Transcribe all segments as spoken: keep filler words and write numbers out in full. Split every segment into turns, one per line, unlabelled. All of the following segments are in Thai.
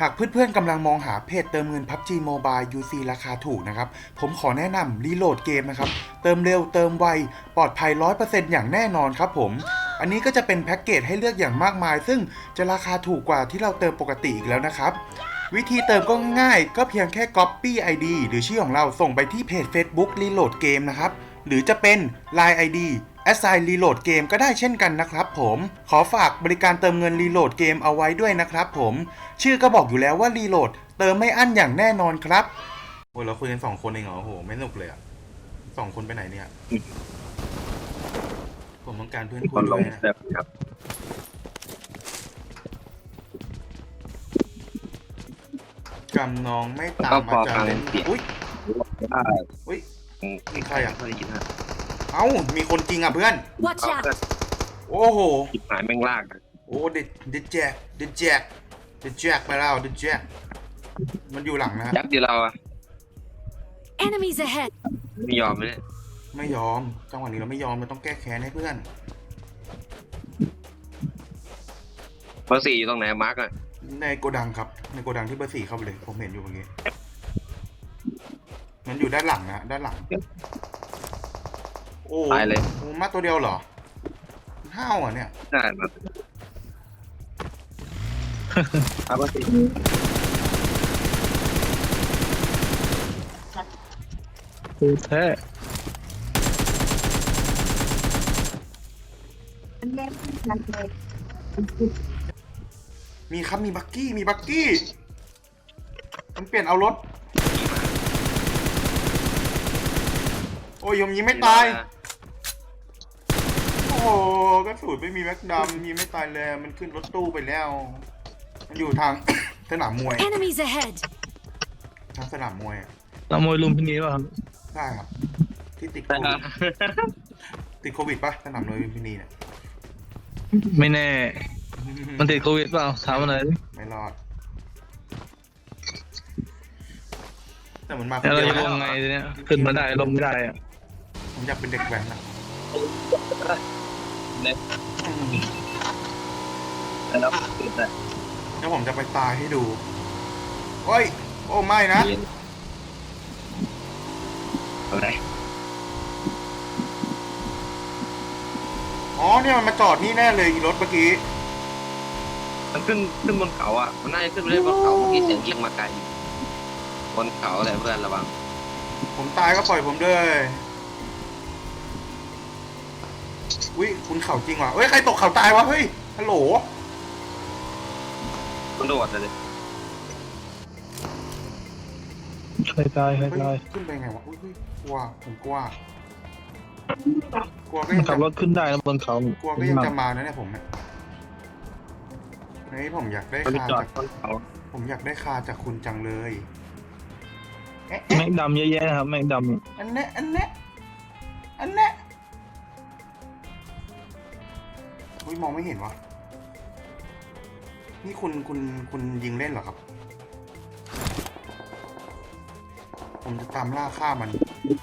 หากเพื่อนๆกำลังมองหาเพจเติมเงิน พับจี Mobile ยู ซี ราคาถูกนะครับผมขอแนะนำรีโหลดเกมนะครับเติมเร็วเติมไวปลอดภัย ร้อยเปอร์เซ็นต์ อย่างแน่นอนครับผมอันนี้ก็จะเป็นแพ็กเกจให้เลือกอย่างมากมายซึ่งจะราคาถูกกว่าที่เราเติมปกติอีกแล้วนะครับวิธีเติมก็ง่ายๆก็เพียงแค่ Copy ไอ ดี หรือชื่อของเราส่งไปที่เพจ Facebook Reload Game นะครับหรือจะเป็น ไลน์ ไอ ดี Assign Reload Game ก็ได้เช่นกันนะครับผมขอฝากบริการเติมเงิน Reload Game เอาไว้ด้วยนะครับผมชื่อก็บอกอยู่แล้วว่า Reload เติมไม่อั้นอย่างแน่นอนครับโอ้ยเราคุยกันสองคนเองเหรอโอ้โหไม่สนุกเลยอ่ะสองคนไปไหนเนี่ยผมต้องการเพื่อนคุยด้วยนะครับกำนองไม่ตามอาจารย์เล่นอุ้ยอุ้ยมีใครอ่ะเอ้ามีคนจริงอ่ะเพื่อน
Watch out
โอ้โห
จิบหายแม่งลาก
โอ้เด็ดเด็ดแจกเด็ดแจกเด็ดแจกไปแล้วเด็ดแจกมันอยู่หลังนะ
ยักษ์เดียวเราอะ
Enemies ahead
ไม่ยอมเลย
ไม่ยอมจังหวะนี้เราไม่ยอมมันต้องแก้แค้นให้เพื่อน
เบอร์สี่อยู่ตรงไหนมาร์กอะ
ในโกดังครับในโกดังที่เบอร์สี่เข้าไปเลยผมเห็นอยู่เมื่อกี้มันอยู่ด้านหลังนะด้านหลังโอ้
ตายเลย
โอ้มาตัวเดียวเหรอห้าวอ่ะเนี่ย
ใช่ครับเอาเบอร์สี่
ดูแท้
มีครับมีบักกี้มีบักกี้มันเปลี่ยนเอารถโอ้ยยมยิงไม่ตายโอ้กระสุนไม่มีแม็กดำยิงไม่ตายเลยมันขึ้นรถตู้ไปแล้วมันอยู่ทาง สนามมวย
Enemies ahead
ทางสนามมวย
เรามวยลุมพินีป่ะครับ
ใช่ครับที่ติดโควิดติดโควิดปะสนามมวยลุมพินีเนี่ย
ไม่แน่มันติดโควิดเปล่าถามมาหน่อยดิ
ไม่รอดแต่มันมาคน
แล้วเรา
เดียว
จะลงไงทีเนี้ยขึ้นมาได้ลงไม่ได้อะ
ผมอยากเป็นเด็กแว้นอะ
เน็ต
อืม
แล้วติดแต่
แล้วผมจะไปตายให้ดูโอ้ยโอ้ไม่นะ
อะไร
อ๋อเนี่ยมันมาจอดนี่แน่เลยอีรถเมื่อกี้
มันขึ้นขึ้นบนเขาอะมันน่าจะขึ้นไปได้บนเขาเมื่อกี้เสียงยิงมาไกลบนเขาอะไรเพื่อนระวัง
ผมตายก็ปล่อยผมด้วยอุ้ยคุณเข่าจริงว่ะเฮ้ยใครตกเข่าตายวะเฮ้ยฮัลโหล
มันโดดเลย
ใครตายใคร
เฮ้ย
ตาย
ขึ้นไปไงวะอุ้ยกลัวผมกลัวกลัวก็
มัน
ยัง
ขับร
จะ
ถขึ้นได้นะบนเขา
กลัวก็ยังจะมานะเนี่ยผมเนี่ยเฮ้ยผมอยากได้
มัน
คา
จอด
จาก
บนเขา
ผมอยากได้คาจากคุณจังเลยเอ๊ะ
แม็กดำเยอะแยะนะครับแม็กดำ
อันเนี้ยอันเนี้ยอันเนี้ยอุ้ยมองไม่เห็นวะนี่คุณคุณคุณยิงเล่นเหรอครับ ผมจะตามล่าฆ่ามัน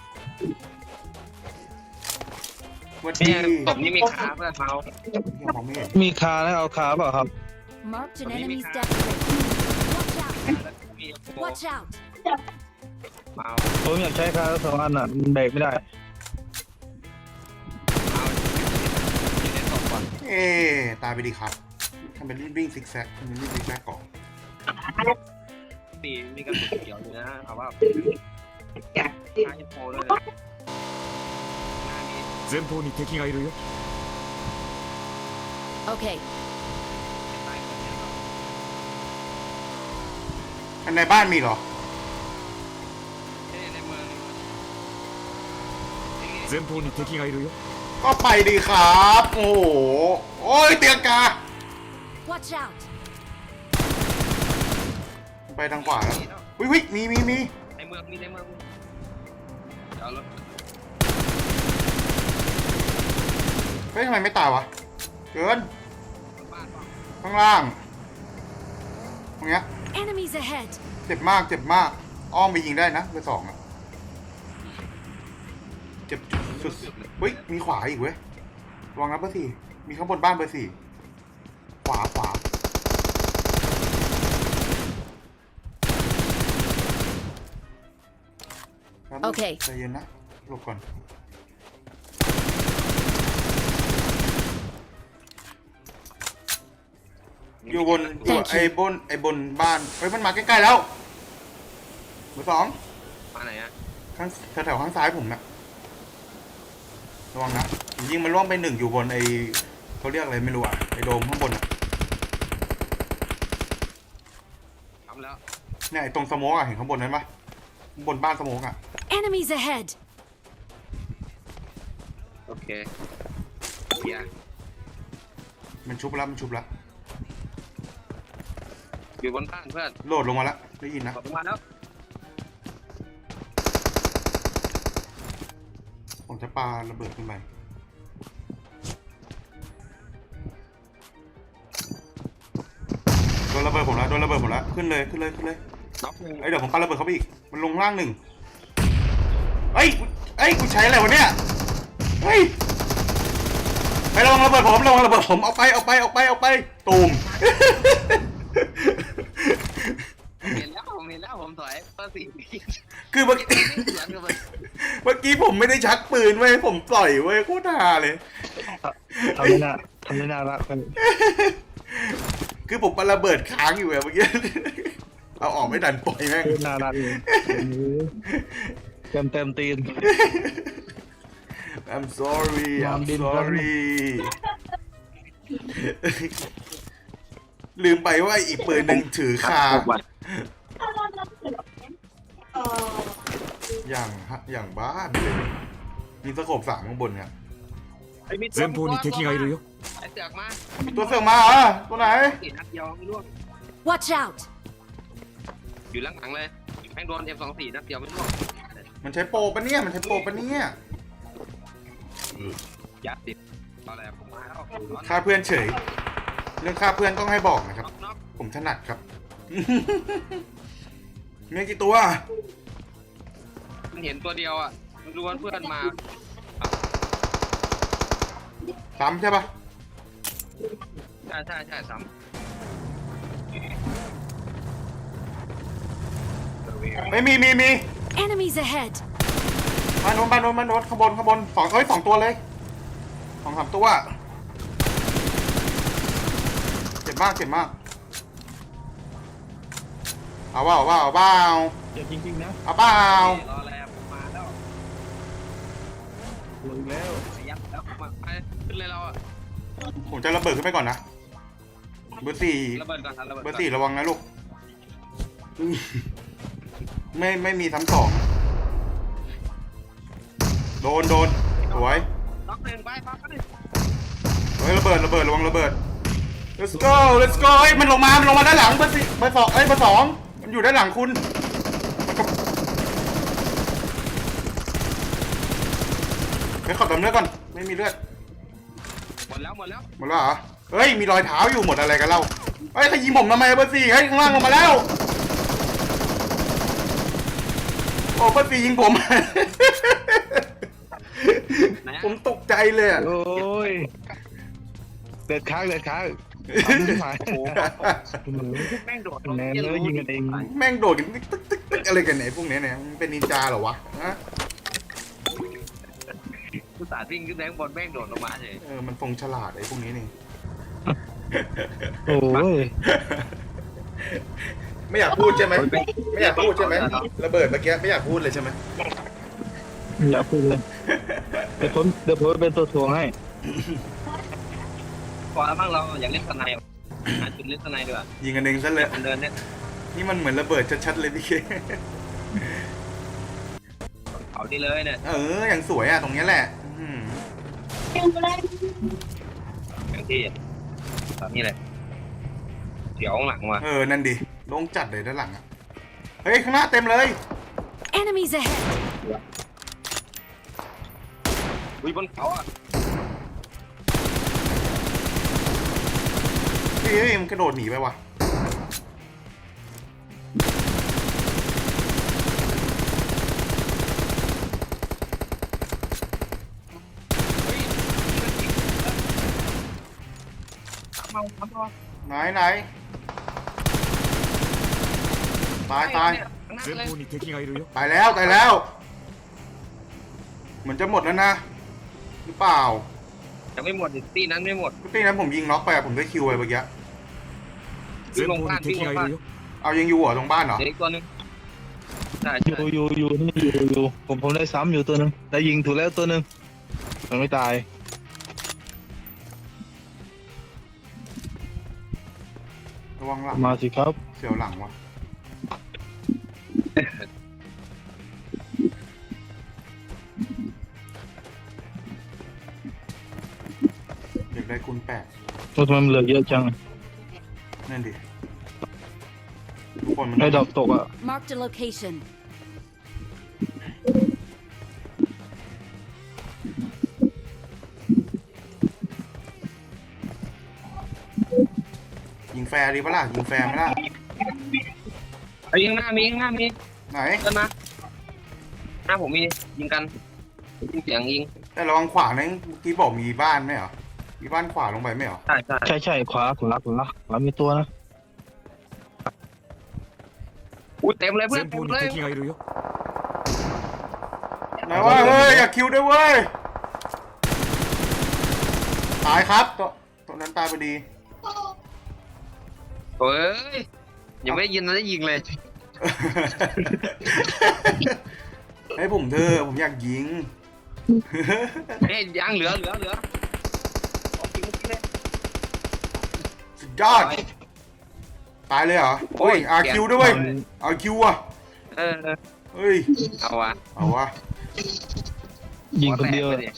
วัน
เนี่
นี้
ยตบนี่มีขาเพื่อนเมา
ยังมองไม่เห็น
มีคาแล้วเอาคาเปล่าครับ
Marked an
Enemy
enemy's
car.
death Watch out
มีโฟ
Watch out
เมา
ผมอยากใช้คาทั้งสองอันอ่ะมันเบรกไม่ได้
เมายิงในศพก่อน
เอ๊ตายไปดีครับทำเป็นวิ่งซิกแซกทำเป็นวิ่งซิกแซกก่อน
ตีมีกระสุนเขียวอยู่นะเอาว่าฆ่าเอฟโฟด้วยหน้านี้
前方に敵がいるよ
Okay
ตายคนเดียวเรา
อันในบ้านมีเหรอ
เนี่ยในเมืองนี่
前方に敵がいるよ
ก็ไปดีครับ โอ้โห โอ้ยเตียงกา
Watch out
ไปทางขวาแล้ววิวิมีมีมี
ในเมืองมีในเมืองเดี๋ยวเอารถ
เฮ้ยทำไมไม่ตายวะ เกิน
บ้านเปล่า
ข้างล่างตรงเนี้ย
Enemies ahead
เจ็บมากเจ็บมาก อ้อมไปยิงได้นะเบอร์สองอะเจ็บสุดเฮ้ยมีขวาอีกเว้ยระวังนะเบอร์สี่มีข้างบนบ้านเบอร์สี่ขวาขวาแป๊บนึง
โอเค
ใจเย็นนะหลบก่อนอยู่บนอยู่
Thank you
ไอ้บนไอ้บนบ้านเฮ้ยมันมาใกล้ๆแล้วเบอร์สอง
มาไหนอะ
ข้างแถวๆข้างซ้ายผมนะระวังนะผมยิงมันล่วงไปหนึ่งอยู่บนไอ้เขาเรียกอะไรไม่รู้อ่ะไอ้โดมข้างบนอะ
ทำแล้ว
เนี่ยไอ้ตรงสโมกอ่ะเห็นข้างบนนั้นปะข้างบนบ้านสโมกอ่ะ
Enemies ahead!
โอเคเฮีย
มันชุบแล้วมันชุบแล้ว
อยู่บนบ้านเพื่อน
โหลดลงมาแล้วได้ยินนะ
กดลงมาแล้ว
ผมจะปาระเบิดขึ้นไปโดนระเบิดผมแล้วโดนระเบิดผมแล้วขึ้นเลยขึ้นเลยขึ้นเลย
น็อกหนึ่ง
เอ้ยเดี๋ยวผมปาระเบิดเขาไปอีกมันลงล่างหนึ่งเอ้ยกูเอ้ยกูใช้อะไรวะเนี่ยเฮ้ยไประวังระเบิดผมระวังระเบิดผมเอาไปเอาไปเอาไปเอาไปตูม
เห็นแล้วผมเห็นแล้วผมถอยเบอร์สี่
คือเมื่อกี้
สวนกันไป
เมื่อกี้ผมไม่ได้ชักปืนเว้ยผมปล่อยเว้ยโคตรฮาเลย
ทำไม่น่าทำไม่น่ารักเลย
คือผมปาระเบิดค้างอยู่อะเมื่อกี้ เอาออกไม่ดันปล่อยแม่ง
น่ารักเลยเต็มเต็มตีน
I'm sorry
ยอม
I'm
ดิน
sorry ลืมไปว่าอีกปืนหนึ่งถือคา อย่างฮะอย่างบ้าเลยมีสโคปสามข้างบนเนี่ย
ไอ้มิด
前方に敵がいるよ
ไอ้เสือกมา
ตัวเสือกมาเหรอตัวไหน
กี่นัดเดียวไม่ร่วง
Watch out!
อยู่หลังๆเลยแม่งโดน เอ็ม สองสี่ นัดเดียวไม่ร่วง
มันใช้โปรปะเนี่ยมันใช้โปรปะเนี่ย
ยัดติดตอนแรกผมมาแล้ว
ฆ่าเพื่อนเฉย เรื่องฆ่าเพื่อนต้องให้บอกนะครับ
น็อกน็อก
ผมถนัดครับ มีกี่ตัว
มันเห็นตัวเดียวอ่ะมันรู้ว่าเพื่อนมา
ซ้ำใช่ปะ
ใช่ใช่ใช่ซ้ำ
ไม่มีมีมี
Enemies ahead!
บ้านโน้นบ้านโน้นบ้านโน้นข้างบนข้างบนสองเอ้ยสองตัวเลยสองสามตัวเจ็บมากเจ็บมากเอาว่าเอาว่าเอาเปล่า
เจ็บจริงๆนะ
เอาเปล่าร
อแล้วผมมาแล้ว
ลงแล้ว
ไปยัดแล้วผมมาไปขึ้นเลยเราอ่ะ
ผมจะระเบิดขึ้นไปก่อนนะเบอร์สี่
ระเบิดก่อนครับระเบิด
เบอ
ก่อน
ร์สี่ระวังนะลูกไม่ไม่มีซ้ำสองโดนโดนสวย
น็อกหนึ่งไปปั๊บไปดิ
เฮ้ยระเบิดระเบิดระวังระเบิด let's go let's go เฮ้ยมันลงมามันลงมาด้านหลังเบอร์สี่เบอร์สองเอ้ยเบอร์สองมันอยู่ด้านหลังคุณไปขอดำเลือดก่อนไม่มีเลือด
หมดแล้วหมดแล้ว
หมดแล้วเหรอเฮ้ยมีรอยเท้าอยู่หมดอะไรกันเล่าเฮ้ยใครยิงผมทำไมเบอร์สี่เฮ้ยข้างล่างลงมาแล้วโอ้เบอร์สี่ยิงผม
ไหนอะ
ผมตกใจเลยอะ
โอ้ยเด็ดค้างเด็ดค้างทำไม่หาย
โอ้โหแม่งโดด
แนนเลยยิงกันเอง
แม่งโดดกันตึ๊กตึ๊กตึ๊กตึ๊กอะไรกันเนี่ยพวกเนี้ยเนี่ยมันเป็นนินจาเหรอวะฮะ
ผู้สาดวิ่งขึ้นแบงบนแม่งโดดลงมาเฉย
เออมันฟงฉลาดไอ้พวกนี้นี่
โอ้ย
ไม่อยากพูดใช่ไหมไม่อยากพูดใช่ไหมระเบิดเมื่อกี้ไม่อยากพูดเลยใช่ไหม
อย่าพูดเลยเดี๋ยวผมเดี๋ยวผมเป็นตัวถ่วงให้
พอแล้วบ้างเราอยากเล่นสไนด์หาจุดเล่นสไนด์ดีกว่า
ยิงกันเองซะเลย
มันเดินเนี่ย
นี่มันเหมือนระเบิดชัดๆเลยพี่เค
เขาที่เลยเนี่ย
เอออย่างสวยอ่ะตรงเนี้ยแหละอืม
อย่างที่ตอนนี้เลยเดี๋ยวข้างหลังมา
เออนั่นดิโล่งจัดเลยด้านหลังอ่ะเฮ้ยข้างหน้าเต็มเลย
Enemies ahead!
อุ้ยบนเขาอ่ะ
เฮ้ยเฮ้ยมันกระโดดหนีไปว่ะ
เฮ้ยทำเอาทำเอา
ไหนไหนตายตาย
前方に敵がいるよ
ตายแล้วตายแล้วเหมือนจะหมดแล้วนะหรือเปล่า
ยังไม่หมดอีกตีนั้นไม่หมด
พี่นั้นผมยิงน็อกไปอะผมได้คิวไปเมื่อกี้
前方に敵がいるよ
เอายังอยู่เหรอตรงบ้านเหรอ
เดี๋ยวอีกตัวหนึงใช่
อ
ใช่
ยู่อยู่อยู่นี่อยู่อยู่ผมผมได้ซ้ำอยู่ตัวหนึงได้ยิงถูกแล้วตัวหนึงมันไม่ตาย
ระวังหลัง
มาสิครับ
เสียวหลังวะอยากได้คุณแปด
ตัวทำไมมันเหลือเยอะจัง
นั่นดิทุกคนมัน
ไอ้ดอกตกอ่ะ
Marked a location.
ยิงแฟร์ดีปะล่ะยิงแฟร์ไหมล่ะ
ไอ้ยิงหน้ามียิงหน้ามี
ไหน
เดินมาหน้าผมมียิงกันยิงเสียงยิง
แต่ระวังขวานะเมื่อกี้บอกมีบ้านไหมเหรอมีบ้านขวาลงไปไหมเหรอ
ใช่ใช่
ใช่ใช่ขวาขวาขวาขวามีตัวนะ
อุ้ยเต็มเลยเพื่อน
前
เต็ม
方に
เลย
敵がいるよ
ไหนว่าเฮ้ยอยากคิวด้วยเว้ยตายครับตัวตัวนั้นตายพอดี
เฮ้ยยังไม่ได้ยินนะได้ยิงเลย
ให้ผมเธอะผมอยากยิง
เฮ้ยยังเหลือเหลือเหลือเอาจริงเมื่อกี้เลย
สุดยอดตายเลยเหรอโอ้ยอาคิวด้วยเว้ยอาคิวอ่ะ
เออ
เฮ้ย
เอาวะ
เอาวะ
ยิงคนเดียว
หัแตกไป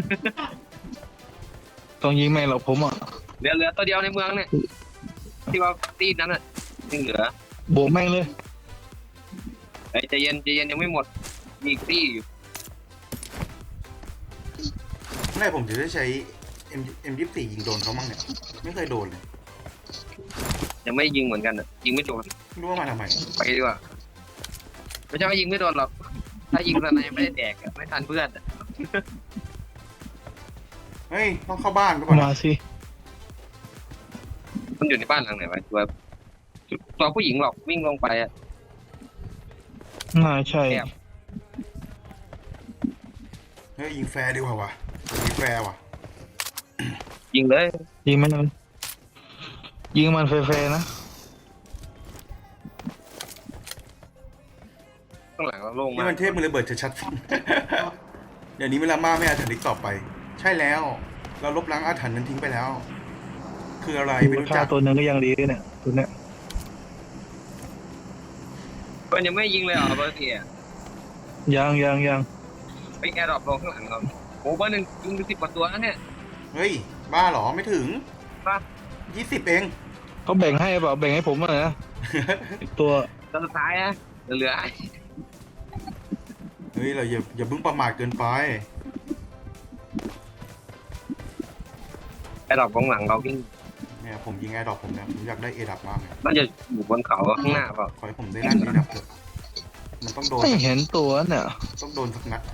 ต้องยิงแม่งหรอกผมอ่ะ
เหลือเหลือตัวเดียวในเมืองเนี่ยที่ว่าตีนั้นอ่ะยังเหลือ
โบกแม่งเลย
ไอ้ยใจเย็นใจเย็นยังไม่หมดมีอีกตีอยู่
เมื่อไหร่ผมจะได้ใช้ M M ยี่สิบสี่ยิงโดนเขามั่งเนี่ยไม่เคยโดนเลย
ยังไม่ยิงเหมือนกันอ่ะยิงไม่โดน
ไม่รู้ว่ามาทำไม
ไปดีกว่าไม่ใช่ว่ายิงไม่โดนหรอกถ้ายิงตอนนั้นยังไม่ได้แดกอะไม่ทันเพื่อนอะ
เฮ้ยต้องเข้าบ้านก่อน
มาสิ
มันอยู่ในบ้านหลังไหนวะตัวตัวผู้หญิงหรอกวิ่งลงไปอ่ะ
น่าใช่
แอบ
เฮ้ยยิงแฟร์ดีกว่าวะยิงแฟร์ว่ะ
ยิงเลย
ยิงมันมันยิงมันแฟร์ๆนะ
ข้างหลังเราโล่ง
นี่
มาก
มันเทพมือระเบิดชัดๆ เดี๋ยวนี้เวลามาไม่อาถรรพ์อีกต่อไป ใช่แล้ว เราลบล้างอาถรรพ์นั้นทิ้งไปแล้ว คืออะไรไม่รู้
ฆ่า
จัก
ตัวหนึงก็ยังดีเนี่ยตัวเนี้ย
เพื่อนยังไม่ยิงเลยเหรอเบอร์สี่อะ
ยังยังยัง
ไปแอร์ดรอปลงข้างหลังเราโอ้เบอร์หนึ่งยิงไปสิบกว่าตัวแล้วเนี่ย
เฮ้ยบ้าเหรอไม่ถึง
ป่ะ
ยี่สิบเอง
เขาแบ่งให้เปล่าแบ่งให้ผมอ่ะนะอีกตัว
ตัวสุดท้ายนะเหลือ
เฮ้ยเราอย่าอย่าเพิ่งประมาทเกินไป
แอร์ดรอปข้างหลังเราวิ่ง
เนี่ยผมยิงแอร์ดรอปผมเนี่ยผมอยากได้เอดับมากเลย
น่าจะอยู่บนเขาข้างหน้าเปล่า
ขอให้ผมได้ลั่นเอดับเถอะมันต้องโดน
ไม่เห็นตัวเนี่ย
ต้องโดนสักนัด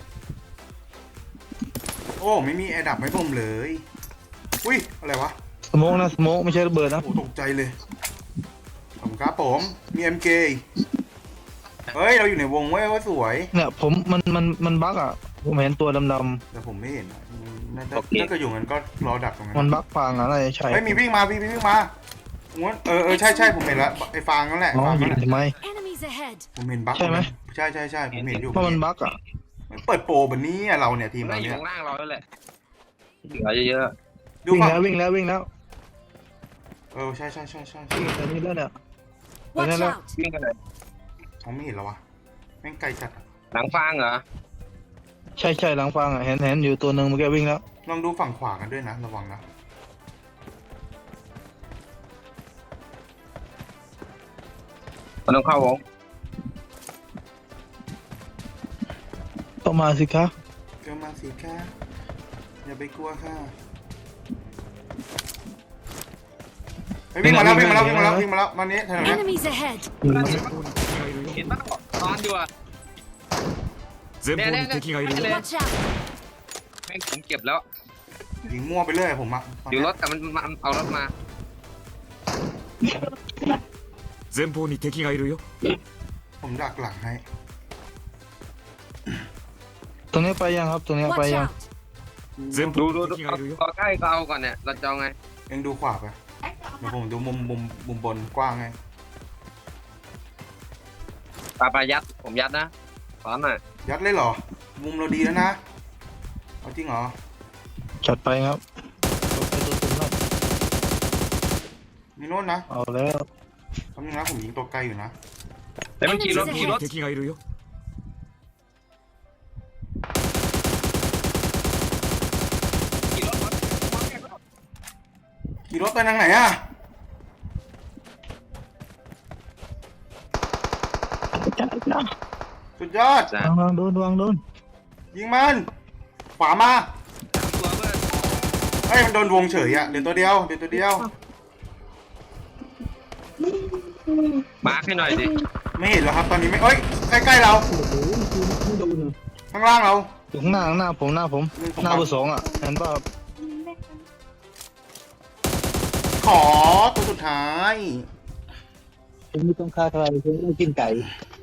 โอ้ไม่มีแอร์ดับให้ผมเลยอุ้ยอะไรวะ
สโมกนะสโมกไม่ใช่ระเบิดนะ
โอ้ตกใจเลยผมครับผมมี เอ็ม เค เฮ้ยเราอยู่ในวงเว้ยว่าสวย
เนี่ยผมมันมันมันบั๊กอ่ะผมเห็นตัวดำ
แต่ผมไม่เห็นอะน่าจะถ้าเกิดอยู่งั้นก็รอดักตรงนั้
ๆมัน
น
บั๊กฟางอะอะไรใช่
เฮ้ยมีวิ่งมาพี่วิ่งมาง้วนเออเออใช่ใช่ผมเห็นแล้วไอ้ฟางนั่นแหละ
อ๋อ
ฟาง
ยิ
นั่
ง
นแหละ
ทำไม
Enemies ahead.
ผมเห็นบั๊ก
ใช่ไหม
ใช่ใช่ใช่ผมเห็นอยู่
เพราะมันบั๊กอ่ะ
เปิดโปรแบบนี้อะเราเนี่ยทีม
น่า
เรา
อยู่
เนี่ย
ข้างล่างเราแล้วแหละเหลือเยอะ
ดู
วิ่ง
ฝั่ง
แล้ววิ่งแล้ววิ่งแล้ว
เออใช่ใช่ใช่ใช่
วิ่งแต่นี่แล้วเนี่ย
Watch
Hello.
out.
ๆวิ่งกันเลย
ผมไม่เห็นแล้ววะแม่งไกลจัดอะ
หลังฟางเหรอ
ใช่ใช่หลังฟางอ่ะเห็นเห็นอยู่ตัวหนึ่งเมื่อกี้วิ่งแล้ว
ลองดูฝั่งขวากันด้วยนะระวังนะ
มันต้องเข้าวง
ต้องมาสิคะ
ก็มาสิค่ะอย่าไปกลัวค่ะเฮ้ยวิ่งมาแล้ววิ่งมาแล้ววิ่งมาแล้ววิ่งมาแล้วมานี้แถวนี้
Enemies ahead.
前方に敵がいるよ
เห็นป่ะนอนอยู่อะ
前方に敵がいるよ
Watch out.
แม่งผมเก็บแล้ว
ยิงมั่วไปเรื่อยผมอะตอน
อยู่
เนี้
ร
ย
ถแต่มันมันเอารถมา
前方に敵がいるよ
ผมดักหลังให้
ตรงนี้ไปยังครับตรงนี้ไป
Watch
ยัง
out!
前
ดู
方
ดู
に
ดู
敵が
เอา
いるよ
เอาใกล้ก็เอาก่อนเนี่ยเราจะเอาไง
เองดูขวาไปเดี๋ยวผมดูมุมมุมมุมบนกว้างไง
ปาปายัดผมยัดนะสอนหน่อย
ยัดเลยเหรอ มุมเราดีแล้วนะเอาจริงเหรอ
จัดไปครับรถไปตัวตุ่มแล้ว
มีโน่นนะ
เอาแล้ว
คำนึงนะผมยิงตัวไกลอยู่นะ
แต่มันขี่รถ
前
ขี่
方
ร
に
ถ
敵がいるよ
ขี่รถ
ขี่รถไปทางไหนอ่ะ
จัดนะ
สุดยอด
จ้ะ
วางโดนวางโดน
ยิงมัน ขวามา
ตัวเพื่อน
เฮ้ยมันโดนวงเฉยอะเดี๋ยวตัวเดียวเดี๋ยวตัวเดียว
มาร์คให้หน่อยดิ
ไม่เห็นแล้วครับตอนนี้ไม่เอ้ยใกล้ๆเรา ข้างล่างเรา
อยู่ข้างหน้าข้างหน้าผมหน้าผม
นี่ผม
หน้าเบอร์สองอ่ะเห็นป่ะครับ
ขอตัวสุดท้าย
ผมไม่ต้องฆ่าใครผมไม่กินไก่